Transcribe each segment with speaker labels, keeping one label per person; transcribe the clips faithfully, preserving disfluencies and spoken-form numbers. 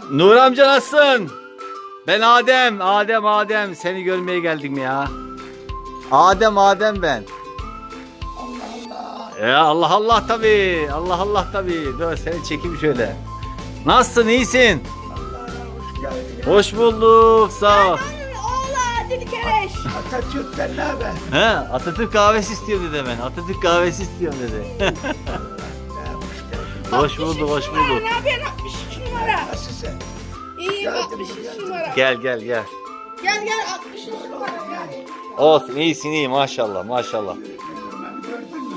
Speaker 1: Nur amca nasılsın? Ben Adem, Adem, Adem. Seni görmeye geldim ya. Adem, Adem ben.
Speaker 2: Allah Allah.
Speaker 1: Ya Allah Allah tabii. Allah Allah tabii. Dur seni çekeyim şöyle. Nasılsın, iyisin?
Speaker 2: Allah'a hoş geldin.
Speaker 1: Hoş bulduk, sağ ol.
Speaker 3: Oğlan dedi kereş.
Speaker 2: Atatürk'ten ne haber?
Speaker 1: He, Atatürk kahvesi istiyorum dedi ben. Atatürk kahvesi istiyorum dedi.
Speaker 2: Ya, hoş geldin.
Speaker 1: Hoş bulduk, hoş bulduk.
Speaker 3: Ne haber altmış üç numara?
Speaker 2: Nasılsın?
Speaker 3: İyiyim
Speaker 2: Geldim,
Speaker 3: altmış üç
Speaker 2: geldim.
Speaker 3: numara.
Speaker 1: Gel gel gel.
Speaker 3: Gel gel altmış üç numara gel.
Speaker 1: Olsun, iyisin iyi maşallah maşallah.
Speaker 2: Görmemi gördün mü?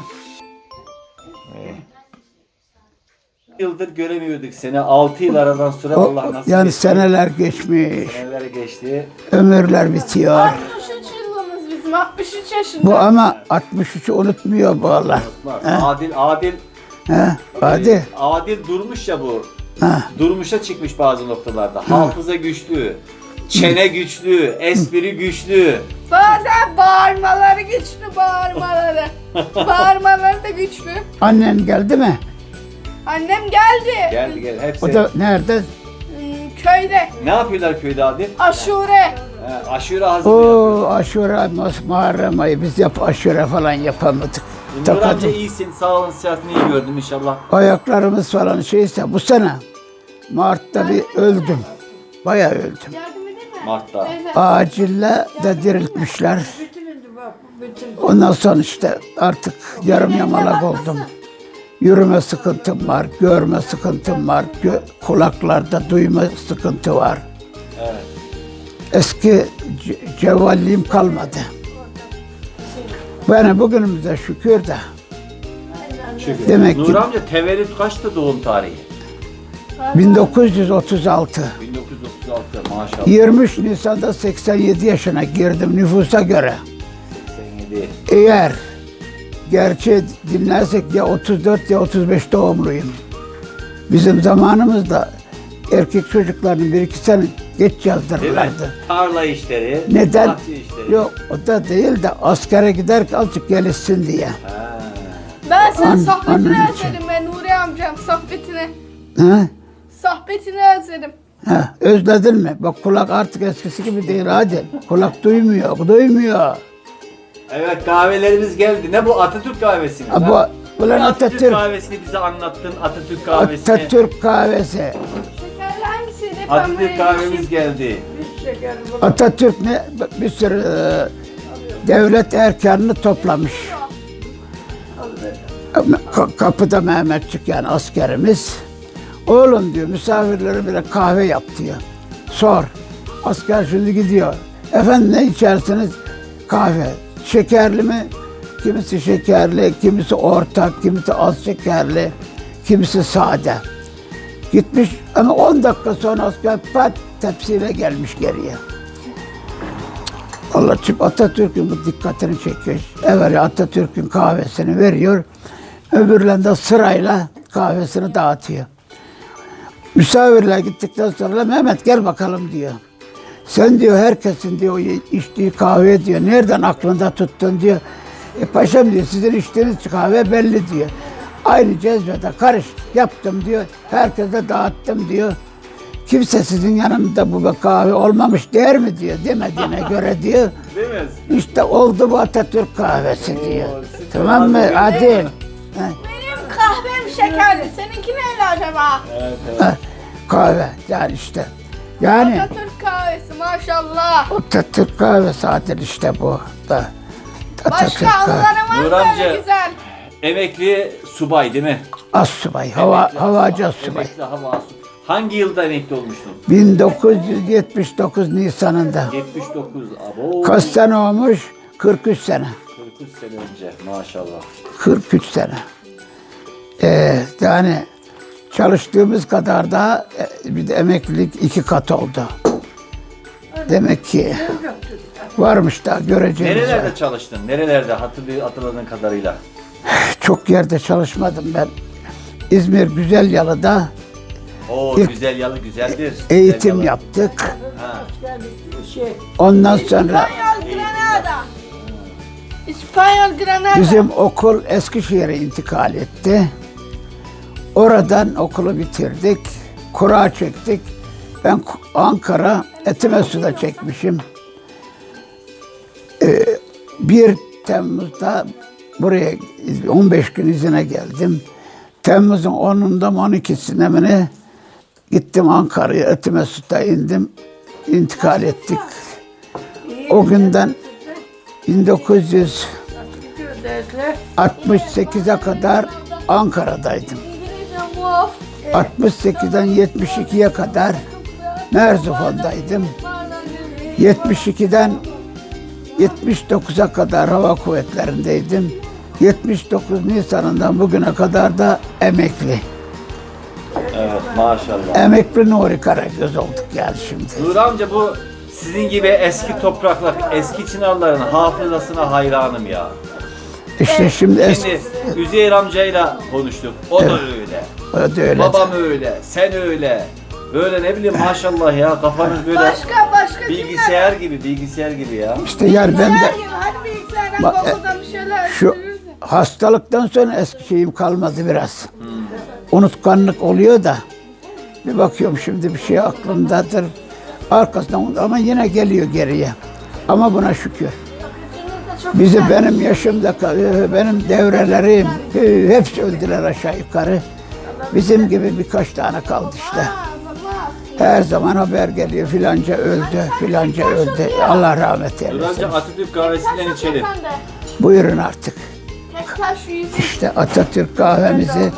Speaker 1: Yıldır göremiyorduk seni. altı yıl aradan sonra
Speaker 2: O-
Speaker 1: Allah nasip
Speaker 2: yani
Speaker 1: etti.
Speaker 2: seneler geçmiş,
Speaker 1: Seneler geçti.
Speaker 2: ömürler bitiyor.
Speaker 3: altmış üç yılımız bizim altmış üç yaşında.
Speaker 2: Bu ama altmış üçü unutmuyor bu Allah.
Speaker 1: Unutmaz. Adil, Adil,
Speaker 2: He, hadi.
Speaker 1: e, Adil durmuş ya bu.
Speaker 2: Ha.
Speaker 1: Durmuşa çıkmış bazı noktalarda. Hafıza güçlü, çene güçlü, espri güçlü.
Speaker 3: Bazen bağırmaları güçlü bağırmaları. Bağırmaları da güçlü.
Speaker 2: Annen geldi mi?
Speaker 3: Annem geldi.
Speaker 1: Geldi gel hepsi.
Speaker 2: O da nerede?
Speaker 3: Hmm, köyde.
Speaker 1: Ne yapıyorlar köyde Adil?
Speaker 3: Aşure.
Speaker 1: He, aşure hazırlıyor.
Speaker 2: O aşure, Mas- Muharrem ayı biz yap aşure falan yapamadık.
Speaker 1: Nur amca
Speaker 2: Takadım.
Speaker 1: iyisin, sağ olun, sıhhatini iyi gördüm inşallah.
Speaker 2: Ayaklarımız falan şeyse bu sene Mart'ta bir öldüm. Bayağı öldüm.
Speaker 3: Yardım edeyim mi?
Speaker 1: Mart'ta.
Speaker 3: Teyze.
Speaker 2: Acille de diriltmişler. Ondan sonra işte artık yarım yamalak oldum. Yürüme sıkıntım var, görme sıkıntım var, gö- kulaklarda duyma sıkıntı var.
Speaker 1: Evet.
Speaker 2: Eski ce- cevvalliğim kalmadı. Yani bugünümüze şükür de.
Speaker 1: Şükür.
Speaker 2: Demek
Speaker 1: Nur
Speaker 2: ki-
Speaker 1: amca tevellüt kaçtı doğum tarihi?
Speaker 2: bin dokuz yüz otuz altı.
Speaker 1: bin dokuz yüz otuz altı maşallah.
Speaker 2: yirmi üç Nisan'da seksen yedi yaşına girdim nüfusa göre.
Speaker 1: seksen yedi.
Speaker 2: Eğer gerçeği dinlersek ya otuz dört ya otuz beş doğumluyum. Bizim zamanımızda erkek çocuklarını bir iki sene geç
Speaker 1: Değil mi?
Speaker 2: yazdırırlardı.
Speaker 1: Tarla işleri,
Speaker 2: Neden?
Speaker 1: bahçe işleri.
Speaker 2: Yok o da değil de askere giderken azıcık gelişsin diye.
Speaker 1: Ha.
Speaker 3: Ben senin
Speaker 2: An-
Speaker 3: sohbetini
Speaker 2: annem için.
Speaker 3: özledim ben Nuri amcam sohbetini.
Speaker 2: Ha?
Speaker 3: Sohbetini özledim.
Speaker 2: Ha, özledin mi? Bak kulak artık eskisi gibi değil hadi. Kulak duymuyor, duymuyor.
Speaker 1: Evet kahvelerimiz geldi. Ne bu Atatürk kahvesi mi?
Speaker 2: Ha, bu,
Speaker 1: Ha?
Speaker 2: ulan
Speaker 1: Atatürk,
Speaker 2: Atatürk,
Speaker 1: kahvesini bize anlattın. Atatürk kahvesini.
Speaker 2: Atatürk kahvesi.
Speaker 3: Şekerli hangisiydi?
Speaker 1: Atatürk kahvemiz geldi.
Speaker 2: Atatürk ne? Bir sürü e, devlet erkanını toplamış. Ka- Kapıda Mehmetçik yani askerimiz. Oğlum diyor misafirlere bile kahve yap diyor. Sor. Asker şimdi gidiyor. Efendim ne içersiniz? Kahve. Şekerli mi? Kimisi şekerli, kimisi orta, kimisi az şekerli, kimisi sade. Gitmiş ama on dakika sonra asker pat tepsiyle gelmiş geriye. Allah çıp Atatürk'ün bu dikkatini çekiyor. Evet Atatürk'ün kahvesini veriyor. Öbürlerinde sırayla kahvesini dağıtıyor. Misafirler gittikten sonra Mehmet gel bakalım diyor. Sen diyor herkesin diyor içtiği kahve diyor. Nereden aklında tuttun diyor. E paşam diyor sizin içtiğiniz kahve belli diyor. Aynı cezvede karış yaptım diyor. Herkese dağıttım diyor. Kimse sizin yanında bu kahve olmamış der mi diyor. Demediğine göre diyor.
Speaker 1: Değil mi?
Speaker 2: İşte oldu bu Atatürk kahvesi diyor.
Speaker 1: süper.
Speaker 2: Tamam mı?
Speaker 1: Hadi.
Speaker 2: Hadi. Ha,
Speaker 3: Benim kahvem şekerli. Seninki neyle acaba?
Speaker 1: Evet evet.
Speaker 2: ha, kahve yani işte. Yani
Speaker 3: Atatürk kahvesi maşallah.
Speaker 2: Atatürk kahvesi zaten işte bu da. Atatürk
Speaker 3: Başka
Speaker 2: kahvesi.
Speaker 3: anıları
Speaker 1: Nur
Speaker 3: var mı
Speaker 1: amca.
Speaker 3: böyle güzel?
Speaker 1: Emekli subay değil mi?
Speaker 2: Assubay, hava,
Speaker 1: Emekli
Speaker 2: havacı
Speaker 1: assubay.
Speaker 2: assubay.
Speaker 1: Emekli hava assubay. Hangi yılda emekli olmuştun?
Speaker 2: bin dokuz yüz yetmiş dokuz Nisan'ında.
Speaker 1: yetmiş dokuz. Abo.
Speaker 2: Kaç sene olmuş? kırk üç sene.
Speaker 1: kırk üç sene önce maşallah.
Speaker 2: kırk üç sene. Ee, yani çalıştığımız kadar da e, bir de emeklilik iki kat oldu. Demek ki varmış da göreceğiz.
Speaker 1: Nerelerde çalıştın? Nerelerde hatırlı, hatırladığın kadarıyla?
Speaker 2: Çok yerde çalışmadım ben. İzmir Güzelyalı'da
Speaker 1: Oo
Speaker 2: İlk-
Speaker 1: güzel yalı güzeldir.
Speaker 2: eğitim
Speaker 1: Güzel yalı.
Speaker 2: yaptık.
Speaker 1: Ha.
Speaker 2: Ondan sonra
Speaker 3: İspanyol Granada. İspanyol Granada.
Speaker 2: bizim okul Eskişehir'e intikal etti. Oradan okulu bitirdik. Kura çektik. Ben Ankara Etimesgut'a çekmişim. Ee, bir Temmuz'da buraya on beş gün izine geldim. Temmuz'un onundan on ikisine mi ne gittim Ankara'ya, Etimesgut'a indim. İntikal ettik. O günden bin dokuz yüz altmış sekize kadar Ankara'daydım. altmış sekizden yetmiş ikiye kadar Merzifon'daydım. yetmiş ikiden yetmiş dokuza kadar Hava Kuvvetleri'ndeydim. yetmiş dokuz Nisan'ından bugüne kadar da emekli.
Speaker 1: Evet maşallah.
Speaker 2: Emekli Nuri Karagöz olduk yani şimdi.
Speaker 1: Nuri amca bu sizin gibi eski topraklar, eski Çınarların hafızasına hayranım ya.
Speaker 2: İşte şimdi eski,
Speaker 1: Şimdi Üzeyir amcayla konuştuk. O da öyle.
Speaker 2: o da öyle.
Speaker 1: Babam öyle. Sen öyle. Böyle ne bileyim maşallah ya kafanız böyle
Speaker 3: Başka başka
Speaker 1: bilgisayar gibi bilgisayar gibi ya.
Speaker 2: İşte yani ben de
Speaker 3: Hadi bilgisayardan
Speaker 2: Bak, e,
Speaker 3: Google'dan bir şeyler
Speaker 2: şu
Speaker 3: öğreniriz.
Speaker 2: hastalıktan sonra eski şeyim kalmadı biraz. Unutkanlık oluyor da bir bakıyorum şimdi bir şey aklımdadır. Arkasından ama yine geliyor geriye. Ama buna şükür. Bizi benim yaşımda benim devrelerim hepsi öldüler aşağı yukarı. Bizim gibi birkaç tane kaldı işte. Her zaman haber geliyor filanca öldü, filanca öldü. Allah rahmet
Speaker 1: Nuri
Speaker 2: eylesin.
Speaker 1: amca Atatürk kahvesinden içelim.
Speaker 2: Buyurun artık.
Speaker 3: Tek taş yüzü.
Speaker 2: İşte Atatürk kahvemizi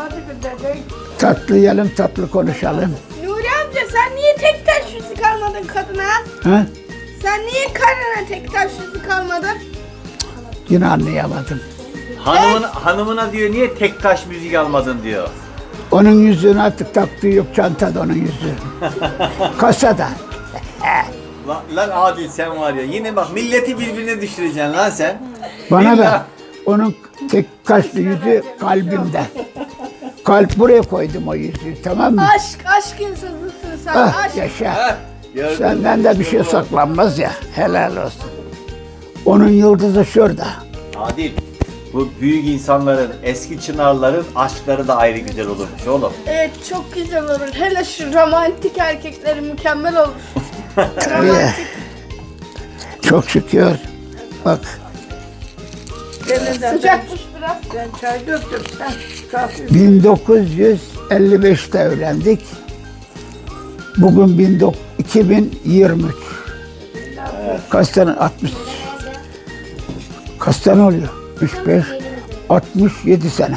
Speaker 2: tatlı yiyelim, tatlı konuşalım.
Speaker 3: Nuri amca sen niye tek taş yüzü kalmadın kadına?
Speaker 2: Ha?
Speaker 3: Sen niye karına tek taş yüzü kalmadın?
Speaker 2: Yine anlayamadım.
Speaker 1: Hanımın, hanımına diyor niye tek taş müzik almadın diyor.
Speaker 2: Onun yüzüğünü artık taktığı yok, çantada onun yüzüğü. Kasada.
Speaker 1: Lan, lan Adil sen var ya yine bak milleti birbirine düşüreceksin lan sen.
Speaker 2: Bana
Speaker 1: Billah.
Speaker 2: bak, onun tek kaşlı yüzüğü kalbimde. Kalp buraya koydum o yüzüğü, tamam mı?
Speaker 3: Aşk, aşk insanısın sen.
Speaker 2: Ah,
Speaker 3: Aşk.
Speaker 2: yaşa.
Speaker 1: Heh, gördün mü?
Speaker 2: Senden de bir şey saklanmaz ya, helal olsun. Onun yıldızı şurada.
Speaker 1: Adil bu büyük insanların eski Çınarların aşkları da ayrı güzel olurmuş oğlum.
Speaker 3: Evet çok güzel olur. Hele şu romantik erkekleri mükemmel olur.
Speaker 2: Tabii. Çok şükür. Bak,
Speaker 3: Sıcakmış biraz.
Speaker 4: Ben çay döktüm sen kahve.
Speaker 2: bin dokuz yüz elli beşte evlendik. Bugün bin dokuz- iki bin yirmi üç. Kaç tane? altmış. Kaç tane oluyor? üç, beş, altmış yedi sene.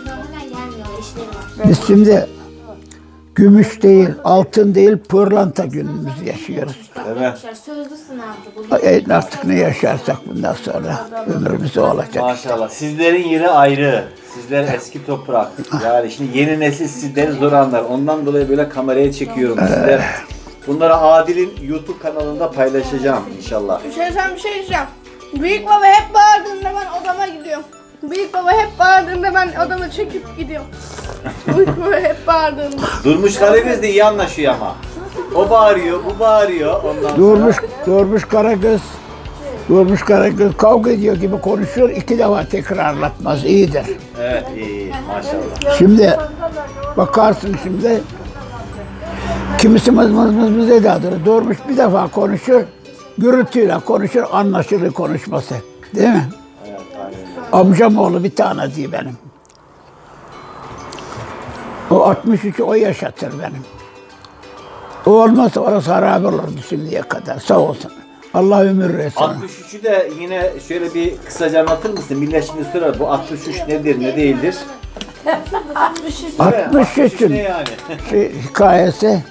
Speaker 2: Biz şimdi gümüş değil, altın değil, pırlanta günümüzü yaşıyoruz.
Speaker 1: Evet.
Speaker 5: Sözlü sınavdı bu.
Speaker 2: E, Artık ne yaşarsak bundan sonra ömrümüz o olacak.
Speaker 1: Maşallah. Sizlerin yeri ayrı. Sizler eski toprak. Yani şimdi yeni nesil sizleri zor anlar. Ondan dolayı böyle kameraya çekiyorum sizler. Bunları Adil'in YouTube kanalında paylaşacağım inşallah.
Speaker 3: Bir şey sen bir şey diyeceğim. Büyük baba hep bağırdığında ben odama gidiyorum. Büyük baba hep bağırdığında ben odama çekip gidiyorum. Büyük baba hep bağırdığında.
Speaker 1: Durmuş Karagöz de iyi anlaşıyor ama. O bağırıyor, bu bağırıyor. Ondan
Speaker 2: Durmuş,
Speaker 1: sonra...
Speaker 2: Durmuş Karagöz, Durmuş Karagöz kavga ediyor gibi konuşuyor, iki defa tekrarlatmaz, iyidir.
Speaker 1: Evet iyi maşallah.
Speaker 2: Şimdi bakarsın şimdi, kimisi mız mız mız mız edadır, Durmuş bir defa konuşur, gürültüyle konuşur, anlaşılır konuşması, değil mi?
Speaker 1: Evet aynen.
Speaker 2: Amcam oğlu bir tane diye benim. O altmış üçü o yaşatır benim. O olmazsa orası harabe olurdu şimdiye kadar. Sağ olsun. Allah ömür versin.
Speaker 1: altmış üçü de yine şöyle bir kısaca anlatır mısın? Millet şimdi sorar bu altmış üç nedir ne değildir?
Speaker 2: altmış üçün
Speaker 1: ne yani?
Speaker 2: şey, hikayesi.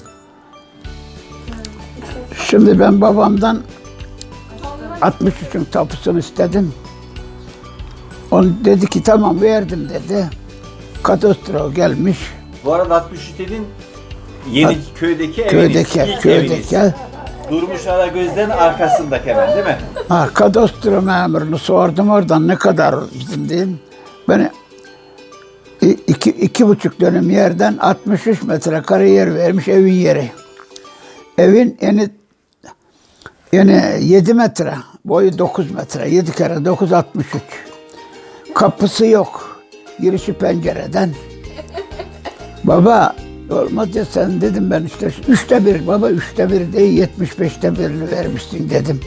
Speaker 2: Şimdi ben babamdan altmış üçün tapusunu istedim. Onu dedi ki tamam verdim dedi. Kadastro gelmiş.
Speaker 1: Bu arada altmış üç dedin yeni köydeki eviniz.
Speaker 2: Köydeki,
Speaker 1: ilk
Speaker 2: köydeki.
Speaker 1: eviniz. Durmuş Karagöz'den arkasındaki hemen değil mi?
Speaker 2: Ha, kadastro memurunu sordum oradan ne kadar izin diyeyim. Beni i- iki, iki buçuk dönüm yerden altmış üç metrekare yer vermiş evin yeri. Evin eni yani yedi metre, boyu dokuz metre, yedi kere dokuz altmış üç. Kapısı yok, girişi pencereden. Baba Olmaz ya sen dedim ben işte üçte bir baba üçte bir değil yetmiş beşte birini vermişsin dedim.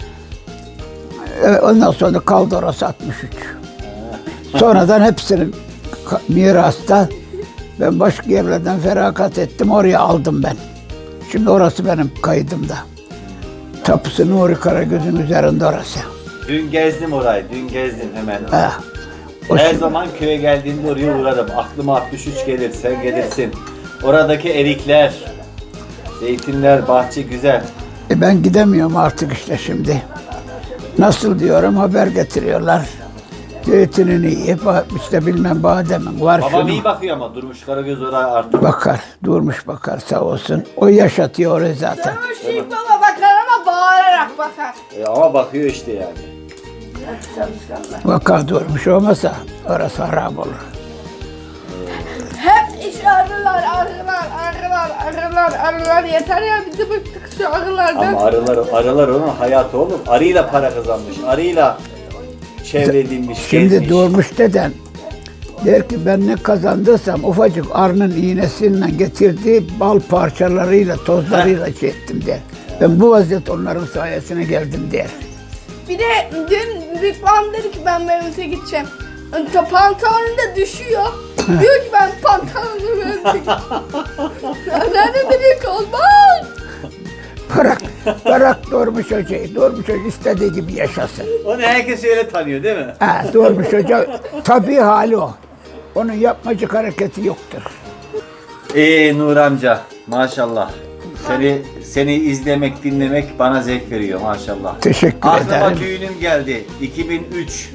Speaker 2: E, ondan sonra kaldı orası altmış üç. Sonradan hepsinin ka- mirasta ben başka yerlerden feragat ettim oraya aldım ben. Şimdi orası benim kaydımda. Tapusu Nuri Karagöz'ün üzerinde orası.
Speaker 1: Dün gezdim orayı, dün gezdim hemen.
Speaker 2: Ha. O
Speaker 1: Her
Speaker 2: şimdi-
Speaker 1: zaman köye geldiğimde oraya uğrarım. Aklıma altmış üç gelir, sen gelirsin. Oradaki erikler, zeytinler, bahçe güzel.
Speaker 2: E ben gidemiyorum artık işte şimdi. Nasıl diyorum haber getiriyorlar. Zeytinini yiyip işte bilmem bademin var
Speaker 1: Babam
Speaker 2: şunu.
Speaker 1: iyi bakıyor ama Durmuş Karagöz oraya artık.
Speaker 2: Bakar, durmuş bakar sağ olsun. O yaşatıyor orayı zaten.
Speaker 3: Durmuş Büyük Baba bakar ama bağırarak bakar.
Speaker 1: E, ama bakıyor işte yani.
Speaker 2: Vakar durmuş olmasa orası harap olur.
Speaker 3: Hep iş arılar, arılar, arılar, arılar, arılar. Yeter ya bizi bıktık şu arılardan.
Speaker 1: Ama arılar, arılar onun hayatı oğlum. Arıyla para kazanmış, arıyla çevrelenmiş,
Speaker 2: Şimdi
Speaker 1: gezmiş.
Speaker 2: durmuş deden der ki ben ne kazandıysam ufacık arının iğnesiyle getirdiği bal parçalarıyla, tozlarıyla şey ettim der. Ben bu vaziyet onların sayesine geldim der.
Speaker 3: Bir de dün Büyük Babam dedi ki ben Mevlüt'e gideceğim. Pantolonu da düşüyor. Diyor ki ben pantolonumu Mevlüt'e gideceğim. Nerede dedi ki olmaz.
Speaker 2: Bırak, bırak Durmuş Hoca'yı. Durmuş Hoca istediği gibi yaşasın.
Speaker 1: Onu herkes öyle tanıyor değil mi?
Speaker 2: Ha, Durmuş Hoca tabii hali o. Onun yapmacık hareketi yoktur.
Speaker 1: Ee Nur amca maşallah. Seni seni izlemek, dinlemek bana zevk veriyor maşallah.
Speaker 2: Teşekkür
Speaker 1: Aklıma
Speaker 2: ederim.
Speaker 1: düğünüm geldi. iki bin üç.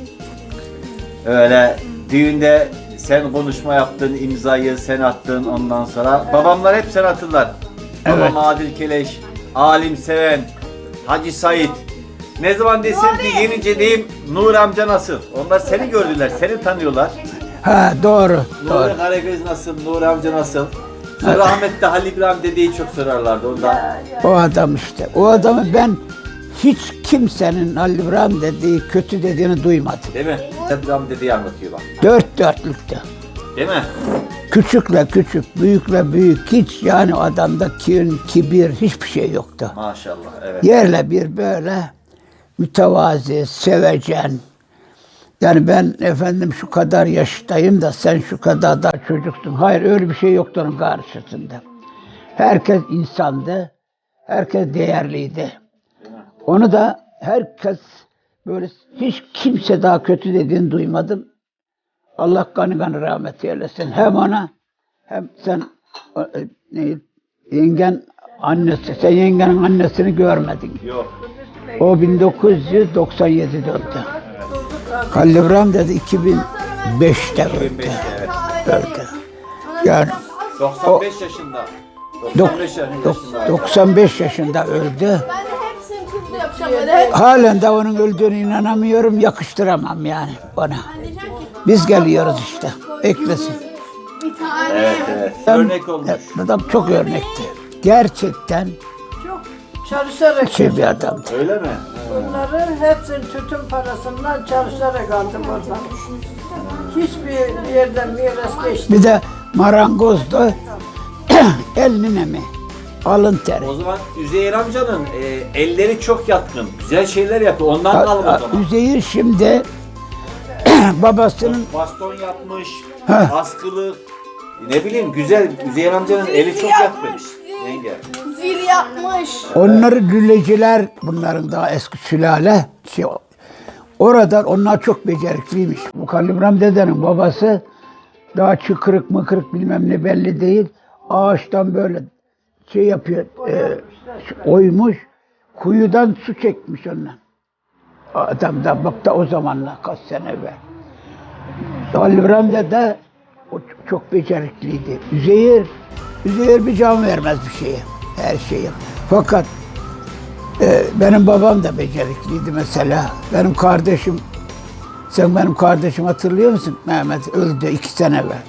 Speaker 1: Öyle düğünde sen konuşma yaptın, imzayı sen attın ondan sonra. Babamlar hep sen hatırlar.
Speaker 2: Evet.
Speaker 1: Babam Adil Keleş, Alim Seven, Hacı Said. Ne zaman desem ki yenince diyeyim Nur amca nasıl? Onlar seni gördüler, seni tanıyorlar.
Speaker 2: Ha doğru, doğru.
Speaker 1: Nuri Karagöz nasıl, Nur amca nasıl? Sonra rahmetli Halil İbrahim dedeyi çok sorarlardı ondan.
Speaker 2: O adam işte. O adamı ben hiç kimsenin Halil İbrahim dediği, kötü dediğini duymadım.
Speaker 1: Değil mi? Halil İbrahim dedeyi anlatıyor bak.
Speaker 2: Dört dörtlüktü.
Speaker 1: Değil mi?
Speaker 2: Küçükle küçük, büyükle büyük, hiç yani adamda kin, kibir, hiçbir şey yoktu.
Speaker 1: Maşallah, evet.
Speaker 2: Yerle bir böyle mütevazi, sevecen. Yani ben efendim şu kadar yaştayım da sen şu kadar da çocuksun. Hayır öyle bir şey yoktu onun karşısında. Herkes insandı, herkes değerliydi. Onu da herkes böyle hiç kimse daha kötü dediğini duymadım. Allah kanı kanı rahmet eylesin. Hem ona hem sen e, ne, yengen annesi, sen yengenin annesini görmedin.
Speaker 1: Yok.
Speaker 2: O bin dokuz yüz doksan yedide öldü. Halil İbrahim dedi iki bin beşte öldü.
Speaker 1: iki bin beşte, evet.
Speaker 2: Öldü. Yani
Speaker 1: doksan beş yaşında. doksan beş
Speaker 2: dok-
Speaker 1: yaşında.
Speaker 2: doksan beş yaşında öldü.
Speaker 3: Ben de hepsini kızla yapacağım böyle. Hep
Speaker 2: Halen de onun öldüğüne inanamıyorum, yakıştıramam yani ona. Biz geliyoruz işte, eklesin.
Speaker 3: bir tane.
Speaker 1: Evet, evet. Örnek olmuş.
Speaker 2: Evet, adam çok örnekti. Gerçekten
Speaker 4: Çok çalışarak
Speaker 2: şey bir adamdı.
Speaker 1: Öyle mi?
Speaker 4: bunları hepsini tütün parasından çalışarak aldım oradan. Hiçbir yerden miras geçti.
Speaker 2: Bir de marangozdu. Elinin emi, alın teri.
Speaker 1: O zaman Üzeyir amcanın e, elleri çok yatkın. Güzel şeyler yapıyor. Ondan kalma o zaman.
Speaker 2: Üzeyir şimdi babasının
Speaker 1: Baston yapmış,
Speaker 2: Heh.
Speaker 1: askılı. Ne bileyim güzel. Üzeyir amcanın eli çok yatkın. Yenge.
Speaker 3: Zil yapmış.
Speaker 2: onları lüleciler, bunların daha eski sülale. Şey, oradan onlar çok becerikliymiş. Bu Halil İbrahim dedenin babası daha çıkırık mıkırık bilmem ne belli değil. Ağaçtan böyle şey yapıyor, e, oymuş, kuyudan su çekmiş ondan. Adam da bak da o zamanlar kaç sene evvel. Halil İbrahim dede o çok becerikliydi. Üzeyir, Üzeyir bir can vermez bir şeye, her şeye. Fakat e, benim babam da becerikliydi mesela. Benim kardeşim, sen benim kardeşim hatırlıyor musun? Mehmet öldü iki sene evvel.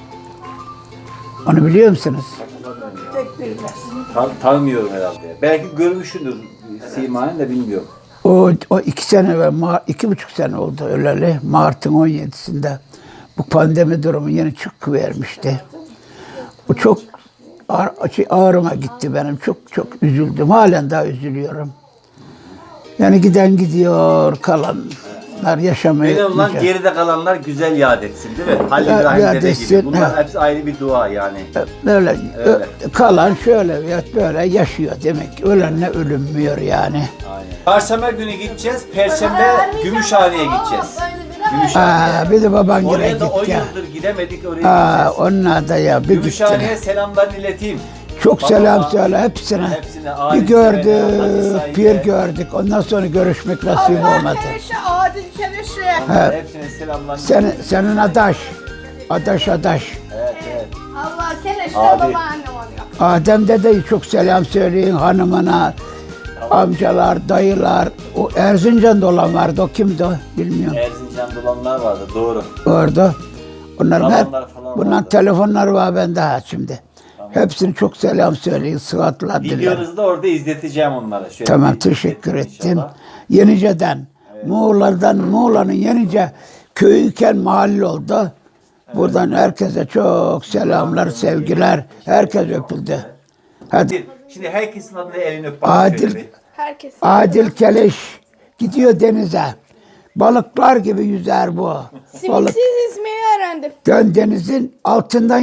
Speaker 2: Onu biliyor musunuz?
Speaker 4: Tek bilmez.
Speaker 1: Tan tanımıyorum herhalde. Belki görmüşsündür Sima'nı da bilmiyorum.
Speaker 2: O, o iki sene evvel, Ma- iki buçuk sene oldu öleli. Mart'ın on yedisinde bu pandemi durumu yeni çıkıvermişti. O çok ağır- şey, ağrıma gitti benim. Çok çok üzüldüm. Halen daha üzülüyorum. Yani giden gidiyor, kalanlar yaşamaya.
Speaker 1: Öyle olan
Speaker 2: mücadele-
Speaker 1: geride kalanlar güzel yad etsin değil mi? Halil
Speaker 2: Ya-
Speaker 1: İbrahim
Speaker 2: yad
Speaker 1: dede
Speaker 2: etsin,
Speaker 1: gibi. Bunlar
Speaker 2: ha.
Speaker 1: hepsi ayrı bir dua yani.
Speaker 2: Böyle
Speaker 1: Öyle.
Speaker 2: ö- kalan şöyle veya böyle yaşıyor demek. Ölenle ölünmüyor yani.
Speaker 1: Aynen. Çarşamba günü gideceğiz. Perşembe Gümüşhane'ye gideceğiz. Gümüşhane'ye.
Speaker 2: Aa, bir de baban
Speaker 1: Oraya
Speaker 2: yine
Speaker 1: da on
Speaker 2: git ya.
Speaker 1: yıldır gidemedik, oraya
Speaker 2: Aa,
Speaker 1: gideceğiz.
Speaker 2: onlar da ya bir
Speaker 1: Gümüşhane'ye
Speaker 2: gittiler.
Speaker 1: selamlarını ileteyim.
Speaker 2: Çok
Speaker 1: Babama,
Speaker 2: selam söyle hepsine.
Speaker 1: hepsine,
Speaker 2: Bir
Speaker 1: ailesine,
Speaker 2: gördük,
Speaker 1: Hadi
Speaker 2: bir gördük. Ondan sonra görüşmek nasip
Speaker 3: Allah
Speaker 2: olmadı.
Speaker 3: kereşe, adil kereşe.
Speaker 1: Onlara hepsine selamlarını
Speaker 2: Senin, senin adaş, adaş adaş.
Speaker 1: Evet, evet.
Speaker 3: Allah kereşe
Speaker 1: Adil.
Speaker 3: babaannem oluyor.
Speaker 2: Adem dedeyi çok selam söyleyin hanımına. Amcalar, dayılar. O Erzincan'da olan vardı. O kimdi o? Bilmiyorum.
Speaker 1: Erzincan'da olanlar vardı, doğru.
Speaker 2: Orada. Onların hep,
Speaker 1: Babamlar falan
Speaker 2: bunların
Speaker 1: vardı.
Speaker 2: telefonları var bende ha şimdi. Hepsini çok selam söyleyin. Sıhhatler dilerim.
Speaker 1: Videonuzu da orada izleteceğim onlara. Şöyle
Speaker 2: Tamam
Speaker 1: bir
Speaker 2: teşekkür
Speaker 1: izleteyim
Speaker 2: ettim.
Speaker 1: inşallah.
Speaker 2: Yenice'den, Muğla'dan, Muğla'nın Yenice köyüken mahalle oldu. Buradan herkese çok selamlar, sevgiler. Herkes öpüldü. Hadi.
Speaker 1: Şimdi herkesin adına elini öp. bakayım
Speaker 2: Adil,
Speaker 1: şöyle bir.
Speaker 3: Herkes.
Speaker 2: Adil Keleş gidiyor denize. Balıklar gibi yüzer bu. Balık.
Speaker 3: Simiksiz ismini öğrendim.
Speaker 2: Dön denizin altından